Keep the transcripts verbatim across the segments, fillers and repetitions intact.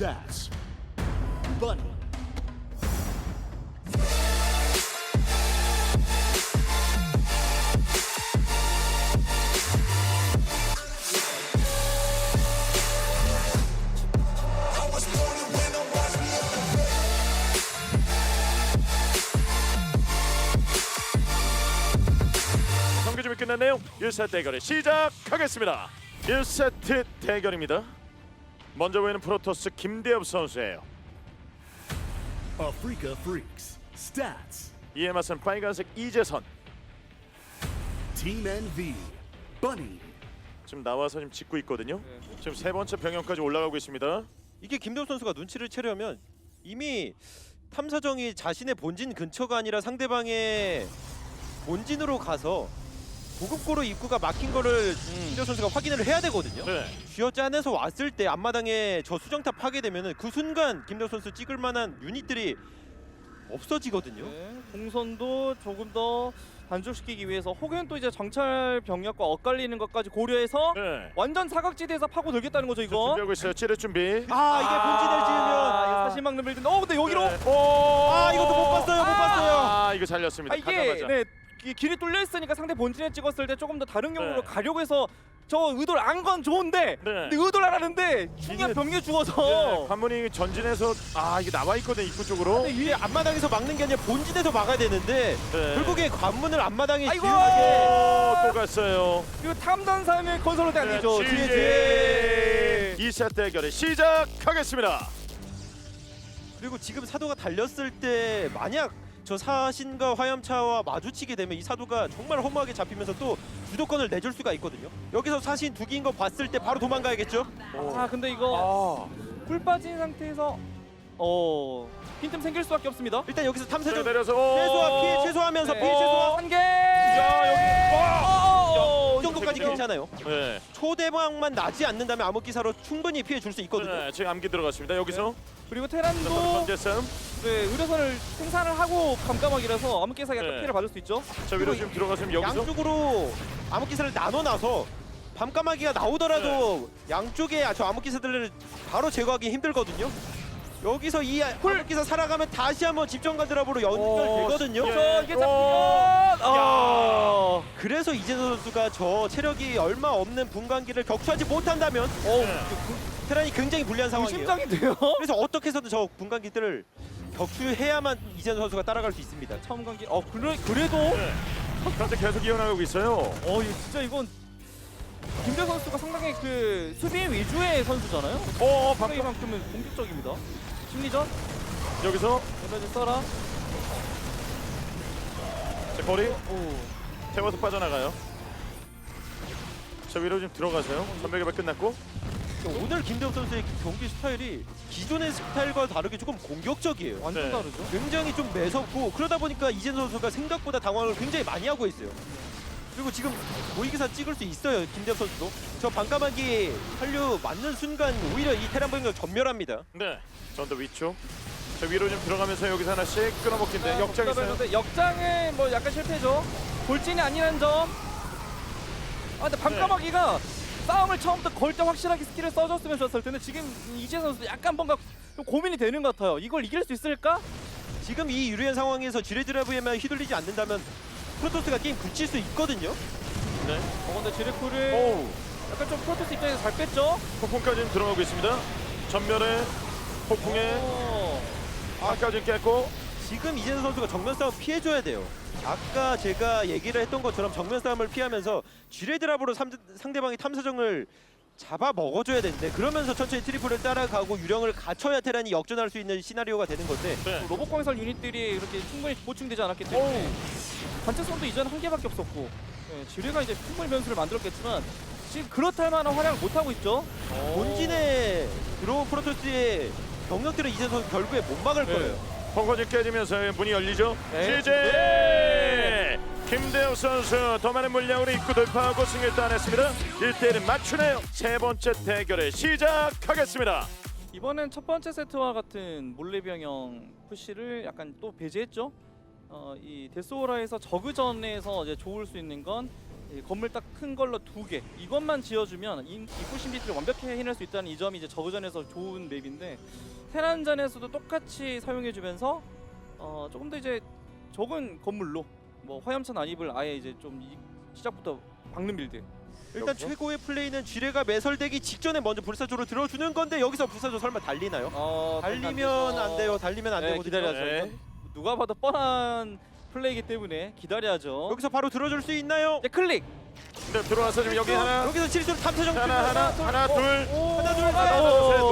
Stats. Bunny. 경기 준비 끝났네요. 일 세트 대결을 시작하겠습니다. 일 세트 대결입니다. 먼저 보이는 프로토스 김대엽 선수예요. Africa Freaks. Stats. 이에 맞선 빨간색 이재선. Team Envy. Bunny. 지금 나와서 지금 짓고 있거든요. 지금 세 번째 병영까지 올라가고 있습니다. 이게 김대엽 선수가 눈치를 채려면 이미 탐사정이 자신의 본진 근처가 아니라 상대방의 본진으로 가서 보급고로 입구가 막힌 거를 김대엽 선수가 확인을 해야 되거든요. 네. 쥐어짜내서 왔을 때 앞마당에 저 수정탑 하게 되면은 그 순간 김대엽 선수 찍을 만한 유닛들이 없어지거든요. 네, 공선도 조금 더 단축시키기 위해서 혹은 또 이제 정찰 병력과 엇갈리는 것까지 고려해서 네. 완전 사각지대에서 파고 들겠다는 거죠 이거. 준비하고 있어요. 찌를 준비. 아 이게 본진을 지으면 아, 이거 사실 막는 빌드인데 어 근데 여기로 네. 오! 아 이것도 못 봤어요 못 봤어요. 아 이거 잘렸습니다. 아, 이게 가자마자. 네 이 길이 뚫려 있으니까 상대 본진에 찍었을 때 조금 더 다른 경로로 네. 가려고 해서 저 의도를 안 건 좋은데 네. 근데 의도를 안 하는데 중요한 이게- 병력이 네, 죽어서 관문이 전진해서 아 이게 나와 있거든 입구 쪽으로. 근데 위에 앞마당에서 막는 게 아니라 본진에서 막아야 되는데 네. 결국에 관문을 앞마당에 아이고! 지우게 오, 또 갔어요. 이거 탐단사의 건설로 안 네, 되죠. 지제. 지제. 이 세트 대결을 시작하겠습니다. 그리고 지금 사도가 달렸을 때 만약 저 사신과 화염차와 마주치게 되면 이 사도가 정말 허무하게 잡히면서 또 주도권을 내줄 수가 있거든요. 여기서 사신 두 개인 거 봤을 때 바로 도망가야겠죠. 아 근데 이거 아. 꿀 빠진 상태에서 어 빈틈 생길 수밖에 없습니다. 일단 여기서 탐사정 내려서 오. 최소화 피해 최소화하면서 네. 피해 최소화 한 개. 야, 여기. 와. 이 정도까지 그죠? 괜찮아요. 네. 초대박만 나지 않는다면 암흑기사로 충분히 피해 줄 수 있거든요. 네, 지금 암기 들어갔습니다. 여기서 그리고 또 테란도 번째 싸움. 네, 의료선을 생산을 하고 감감하기라서 암흑기사가 약간 네. 피해를 받을 수 있죠. 저 위로 지금 들어갔으면 여기서 양쪽으로 암흑기사를 나눠놔서 밤까마귀가 나오더라도 양쪽에 저 암흑기사들을 바로 제거하기 힘들거든요. 여기서 이 암흑기사 살아가면 다시 한번 집정관 드랍으로 연결되거든요. 예. 저 이게 오. 잡히면 아. 그래서 이재선 선수가 저 체력이 얼마 없는 분광기를 격추하지 못한다면 어우, 네. 테란이 굉장히 불리한 상황이에요. 심장인데요. 그래서 어떻게 해서든 저 분광기들을 격추해야만 이재선 선수가 따라갈 수 있습니다. 처음 관계. 어, 그래 그래도 네. 현재 계속 이어나가고 있어요. 어, 이거 진짜 이건 김대 선수가 상당히 그 수비 위주의 선수잖아요. 어, 상당히 방금 이만큼은 공격적입니다. 심리전 여기서 에너지 써라. 제 거리 오. 태워서 빠져나가요. 저 위로 좀 들어가세요. 전멸개발 끝났고. 오늘 김대엽 선수의 경기 스타일이 기존의 스타일과 다르게 조금 공격적이에요. 완전 네. 다르죠. 굉장히 좀 매섭고 그러다 보니까 이재선 선수가 생각보다 당황을 굉장히 많이 하고 있어요. 그리고 지금 모의기사 찍을 수 있어요. 김대엽 선수도. 저 반까마귀 한류 맞는 순간 오히려 이 테란 병력 전멸합니다. 네. 전더 위쪽. 저 위로 좀 들어가면서 여기서 하나씩 끊어먹긴데 역장 있어요. 복잡했는데 역장은 뭐 약간 실패죠. 돌진이 아니라는 점. 아 근데 밤까마귀가 싸움을 처음부터 걸 때 확실하게 스킬을 써줬으면 좋았을 텐데 지금 이재 선수 약간 뭔가 좀 고민이 되는 것 같아요. 이걸 이길 수 있을까? 지금 이 유리한 상황에서 지뢰드라브에만 휘둘리지 않는다면 프로토스가 게임 굳힐 수 있거든요. 네. 어 근데 지레쿠를 오우. 약간 좀 프로토스 입장에서 잘 뺐죠? 폭풍까지 지금 들어가고 있습니다. 전멸에 폭풍에 어. 아까지 깼고. 지금 이재선 선수가 정면 싸움 피해줘야 돼요. 아까 제가 얘기를 했던 것처럼 정면 싸움을 피하면서 지뢰드랍으로 삼- 상대방의 탐사정을 잡아 먹어줘야 되는데 그러면서 천천히 트리플을 따라가고 유령을 갖춰야 테란이 역전할 수 있는 시나리오가 되는 건데 네. 로봇 건설 유닛들이 이렇게 충분히 보충되지 않았기 때문에 관측선도 이전 한 개밖에 없었고 네, 지뢰가 이제 충분히 변수를 만들었겠지만 지금 그렇다 할 만한 활약을 못하고 있죠. 본진에 들어온 프로토스의 병력들은 이재선 선수 결국에 못 막을 네. 거예요. 벙커지 깨지면서 문이 열리죠. 네. 시제 김대엽 선수 더 많은 물량으로 입구 돌파하고 승리를 따냈습니다. 일 대 일을 맞추네요. 세 번째 대결을 시작하겠습니다. 이번엔 첫 번째 세트와 같은 몰래병영 푸시를 약간 또 배제했죠. 어, 이 데스오라에서 저그전에서 이제 좋을 수 있는 건 예, 건물 딱 큰 걸로 두 개. 이것만 지어주면 인- 입구 심리티를 완벽히 해낼 수 있다는 이 점이 이제 저그전에서 좋은 맵인데 테란전에서도 똑같이 사용해주면서 어, 조금 더 이제 적은 건물로 뭐 화염차 난입을 아예 이제 좀 이, 시작부터 박는 빌드. 일단 여기서? 최고의 플레이는 지뢰가 매설되기 직전에 먼저 불사조로 들어주는 건데 여기서 불사조 설마 달리나요? 어, 달리면 안 돼요. 달리면 안 네, 되거든요. 기다려야죠. 네. 누가 봐도 뻔한 플레이이기 때문에 기다려야죠. 여기서 바로 들어줄 수 있나요? 이제 클릭. 네, 들어와서 지금 여기 하나, 여기서 실수로 탐사정 하나, 하나, 하나, 둘, 오, 하나, 둘, 아, 하나, 오. 셋,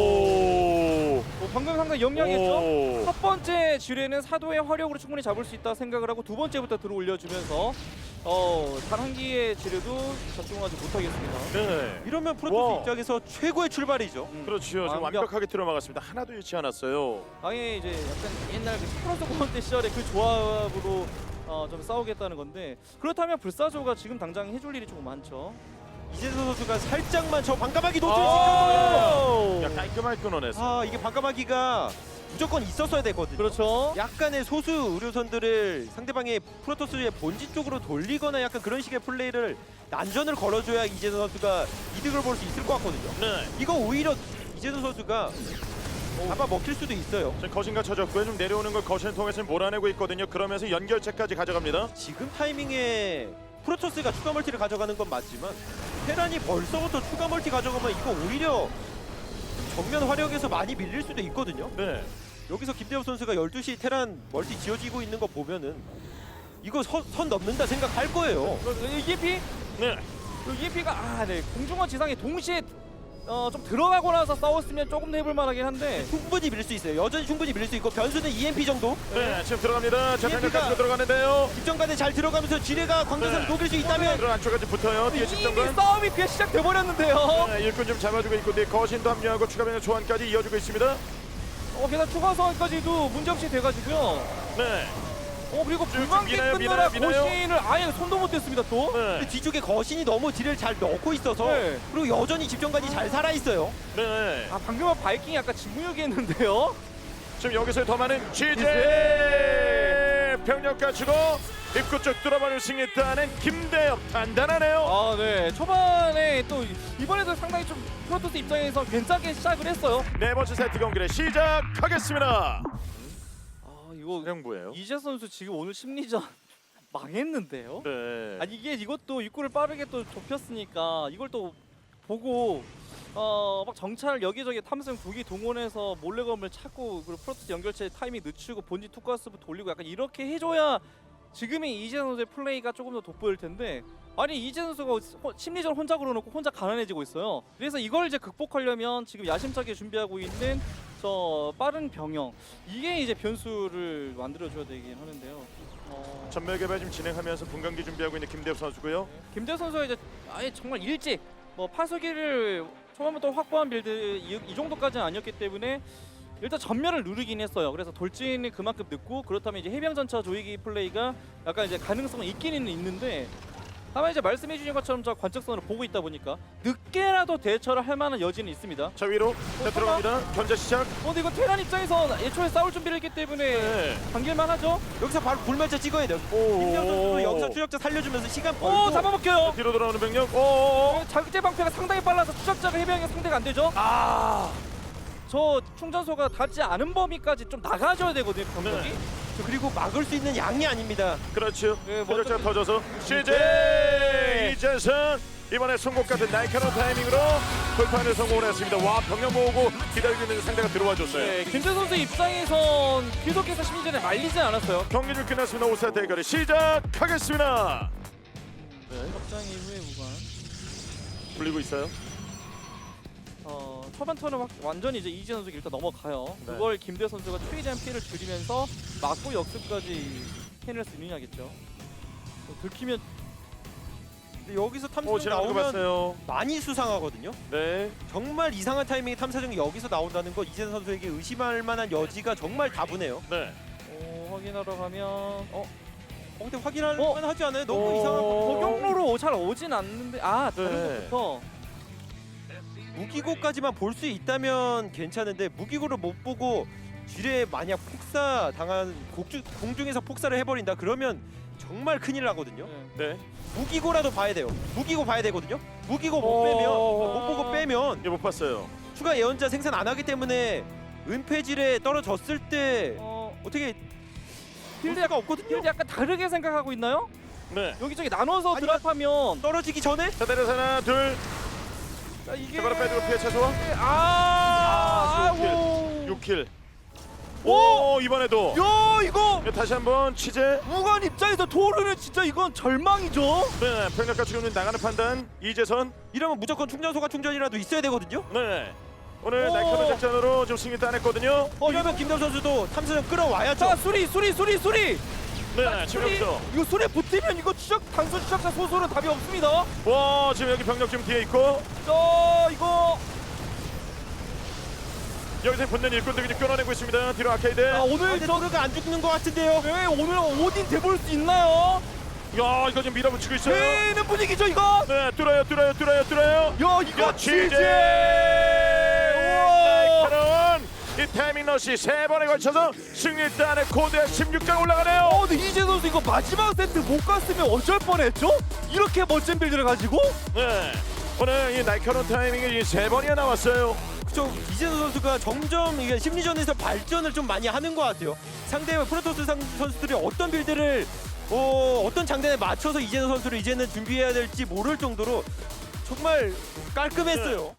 오. 어, 방금 상당히 영리하겠죠? 오. 첫 번째 지뢰는 사도의 화력으로 충분히 잡을 수 있다 생각을 하고 두 번째부터 들어 올려주면서 어, 단 한 기의 지뢰도 적중하지 못하겠습니다. 네. 이러면 프로토스 와. 입장에서 최고의 출발이죠. 음, 그렇죠. 지금 완벽. 완벽하게 들어막았습니다. 하나도 잃지 않았어요. 아예 이제 약간 옛날 그 프로토스 콘테 시절의 그 조합으로 어, 좀 싸우겠다는 건데 그렇다면 불사조가 지금 당장 해줄 일이 조금 많죠. 이재선 선수가 살짝만 저 반가마기 아. 노출시켰거든요. 야, 깔끔하게 끊어냈어. 아 이게 반가마기가 무조건 있었어야 됐거든요. 그렇죠. 약간의 소수 의료선들을 상대방의 프로토스의 본진 쪽으로 돌리거나 약간 그런 식의 플레이를 난전을 걸어줘야 이재선 선수가 이득을 볼 수 있을 것 같거든요. 네. 이거 오히려 이재선 선수가 잡아 먹힐 수도 있어요. 지금 거신과 쳐졌고요. 좀 내려오는 걸 거신을 통해서 몰아내고 있거든요. 그러면서 연결체까지 가져갑니다. 지금 타이밍에 프로토스가 추가 멀티를 가져가는 건 맞지만 테란이 벌써부터 추가 멀티 가져가면 이거 오히려 정면 화력에서 많이 밀릴 수도 있거든요. 네. 여기서 김대엽 선수가 열두 시 테란 멀티 지어지고 있는 거 보면은 이거 선, 선 넘는다 생각할 거예요. 이에피 네. 이에피가 아, 네 공중과 지상에 동시에 어, 좀 들어가고 나서 싸웠으면 조금 더 해볼 만하긴 한데 충분히 밀릴 수 있어요. 여전히 충분히 밀릴 수 있고 변수는 이엠피 정도. 네. 지금 들어갑니다. 자, 이엠피가 병력까지 들어가는데요. 집정관에 잘 들어가면서 지뢰가 광전선을 네. 녹일 수 있다면 들어 안쪽까지 붙어요. 뒤에 이미 집정관. 싸움이 그냥 시작돼 버렸는데요. 네, 일꾼 좀 잡아주고 있고 뒤에 거신도 합류하고 추가 병력 소환까지 이어주고 있습니다. 어, 게다가 추가 소환까지도 문제없이 돼가지고요. 네. 어, 그리고 좀 불만개 미나요, 끊느라 미나요, 미나요? 거신을 아예 손도 못 댔습니다 또. 네. 근데 뒤쪽에 거신이 너무 딜을 잘 넣고 있어서 네. 그리고 여전히 집정관이 잘 살아 있어요. 네. 아, 방금은 바이킹이 약간 진무역이 했는데요. 지금 여기서 더 많은 취재 병력 갖추고 입구 쪽 뚫어버릴 수 있다는 김대엽 단단하네요. 아, 네. 초반에 또 이번에도 상당히 좀 프로토스 입장에서 괜찮게 시작을 했어요. 네 번째 세트 경기를 시작하겠습니다. 아, 이거 형부예요. 이재 선수 지금 오늘 심리전 망했는데요. 네. 아니 이게 이것도 입구를 빠르게 또 좁혔으니까 이걸 또 보고 어 막 정찰 여기저기 탐성 두기 동원해서 몰래검을 찾고 그리고 프로토스 연결체 타이밍 늦추고 본진 투가스부 돌리고 약간 이렇게 해줘야 지금의 이재 선수의 플레이가 조금 더 돋보일 텐데 아니 이재 선수가 호- 심리전 혼자 걸어놓고 혼자 가난해지고 있어요. 그래서 이걸 이제 극복하려면 지금 야심차게 준비하고 있는 저 빠른 병영 이게 이제 변수를 만들어줘야 되긴 하는데요. 어... 전멸 개발 지금 진행하면서 분광기 준비하고 있는 김대엽 선수고요. 김대 선수가 이제 아예 정말 일찍 뭐 파수기를 초반부터 확보한 빌드 이, 이 정도까지는 아니었기 때문에 일단 전멸을 누르긴 했어요. 그래서 돌진이 그만큼 늦고 그렇다면 이제 해병 전차 조이기 플레이가 약간 이제 가능성은 있기는 있는데 다만 이제 말씀해 주신 것처럼 저 관측선을 보고 있다 보니까 늦게라도 대처를 할 만한 여지는 있습니다. 자 위로 자, 들어갑니다. 견제 시작. 어 근데 이거 테란 입장에서 애초에 싸울 준비를 했기 때문에 네. 당길만 하죠. 여기서 바로 불멸자 찍어야 돼요. 김대엽 선수도 여기서 추적자 살려주면서 시간 벌고 오 잡아먹혀요. 뒤로 돌아오는 병력. 오. 자극제 방패가 상당히 빨라서 추적자가 해병이 상대가 안 되죠. 아, 저 충전소가 닿지 않은 범위까지 좀 나가줘야 되거든요. 병력이. 네. 저 그리고 막을 수 있는 양이 아닙니다. 그렇죠. 네, 표적자 먼저- 터져서 시제 네. 이재선 이번에 송곳 같은 날카로운 타이밍으로 돌파를 성공을 했습니다. 와 병력 모으고 기다리고 있는 상대가 들어와 줬어요. 네, 김재 선수 입장에선 계속해서 심리전에 말리진 않았어요. 경기 중 끝났습니다. 오 세트 대결이 시작하겠습니다. 네, 접장 이후에 무관. 불리고 있어요. 어, 초반 턴은 확- 완전히 이제 이재 선수가 일단 넘어가요. 네. 그걸 김대 선수가 최대한 피해를 줄이면서 막고 역습까지 해낼 수 있느냐겠죠. 또 들키면 근데 여기서 오 탐사정 지나가는 거 나오면 봤어요. 많이 수상하거든요. 네. 정말 이상한 타이밍에 탐사정이 여기서 나온다는 건 이재선 선수에게 의심할 만한 여지가 정말 다분해요. 네. 어, 확인하러 가면 어, 어, 근데 확인할 어? 만 하지 않아요? 너무 어. 이상한 거. 적용로로 잘 오진 않는데 아 다른 네. 것부터 무기고까지만 볼 수 있다면 괜찮은데 무기고를 못 보고 지뢰에 만약 폭사 당한 곡주, 공중에서 폭사를 해버린다 그러면 정말 큰일 나거든요. 네. 네. 무기고라도 봐야 돼요. 무기고 봐야 되거든요. 무기고 못 어. 빼면 못 보고 빼면 이거 못 봤어요. 추가 예언자 생산 안 하기 때문에 은폐질에 떨어졌을 때 어, 어떻게 필드 필드가 약간 없거든요. 필드 약간 다르게 생각하고 있나요? 네. 여기저기 나눠서 아니면- 드랍하면 떨어지기 전에 자, 내려서 하나, 둘. 자, 이게 자, 바로 빼주고 피해 최소. 아, 아, 육 킬. 아이고. 육 킬. 오! 오, 이번에도. 야, 이거 다시 한번 취재. 무관 입장에서 토르는 진짜 이건 절망이죠. 네, 병력과 지금 나가는 판단. 이재선. 이러면 무조건 충전소가 충전이라도 있어야 되거든요. 네. 오늘 오. 날카로운 작전으로 지금 승리 따냈거든요. 어, 이러면 김대호 선수도 탐사정 끌어와야죠. 자, 수리, 수리, 수리, 수리. 네, 지금 수리. 여기서. 이거 수리 붙으면 이거 추적 단순 추적자 소수는 답이 없습니다. 와, 지금 여기 병력 지금 뒤에 있고 자, 이거 여기서 붙는 일꾼들이 지금 끌어내고 있습니다. 뒤로 아케이드. 아, 오늘 근데 저 토르가 안 죽는 것 같은데요. 왜 오늘 오딘 돼볼 수 있나요? 야, 이거 지금 밀어붙이고 있어요. 되는 분위기죠 이거. 네, 뚫어요, 뚫어요, 뚫어요, 뚫어요. 야, 이거 야, 취재. 우와. 날카로운 이 타이밍 러시 세 번에 걸쳐서 승리 따내 코드에 십육 강 올라가네요. 어, 근데 이재 선수 이거 마지막 세트 못 갔으면 어쩔 뻔했죠? 이렇게 멋진 빌드를 가지고? 네, 오늘 이 날카로운 타이밍이 이 세 번이나 나왔어요. 그쵸. 이재선 선수가 점점 이게 심리전에서 발전을 좀 많이 하는 것 같아요. 상대와 프로토스 상, 선수들이 어떤 빌드를 어, 어떤 장단에 맞춰서 이재선 선수를 이제는 준비해야 될지 모를 정도로 정말 깔끔했어요.